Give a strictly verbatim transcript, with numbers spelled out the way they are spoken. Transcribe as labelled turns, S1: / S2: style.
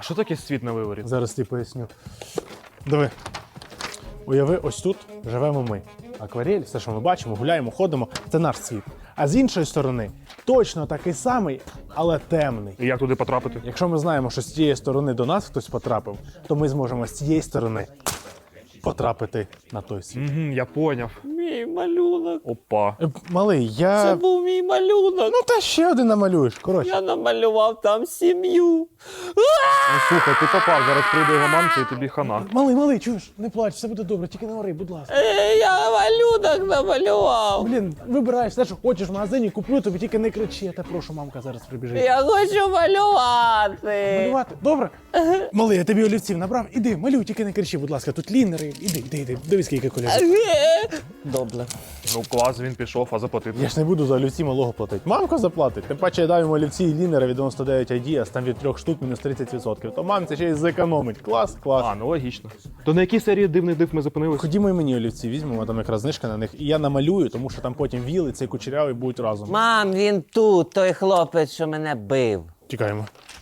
S1: що таке світ на виворі?
S2: Зараз тобі поясню. Диви. Уяви, ось тут живемо ми. Акварель, все, що ми бачимо, гуляємо, ходимо, це наш світ. А з іншої сторони, точно такий самий, але темний.
S1: І як туди потрапити?
S2: Якщо ми знаємо, що з цієї сторони до нас хтось потрапив, то ми зможемо з цієї сторони потрапити на той світ.
S1: Угу, я поняв.
S3: Мій малюнок.
S1: Опа.
S2: Е, Малий, я...
S3: Це був мій малюнок.
S2: Ну та ще один намалюєш, коротше.
S3: Я намалював там сім'ю.
S1: Ну слухай, ти попав, зараз прийде його мамка і тобі хана.
S2: Малий, малий, чуєш? Не плач, все буде добре, тільки не ори, будь ласка.
S3: Е, Я малюнок намалював.
S2: Блін, вибираєш все, що хочеш в магазині, куплю тобі, тільки не кричи, я тебе прошу, мамка зараз прибіжить.
S3: Я хочу малювати.
S2: Малювати? Добре? Малий, я тобі олівців набрав, іди, малюй, тільки не кричи, будь ласка, тут лінери, іди, іди, іди, дивись, скільки кольорів.
S3: Е, Добре.
S1: Ну клас, він пішов, а заплатити.
S2: Я ж не буду за олівці малого платити. Мамка заплатить. Тим паче я дав йому олівці і лінери від дев'яносто дев'ять ай ді, а там від трьох штук мінус тридцять відсотків. То мамці ще й зекономить. Клас, клас.
S1: А, ну логічно. То на якій серії дивних див ми зупинились?
S2: Ходімо і мені олівці візьмемо, там якраз знижка на них, і я намалюю, тому що там потім віл і цей кучерявий будуть разом.
S3: Мам, він тут, той хлопець, що мене бив.
S2: Тікаємо.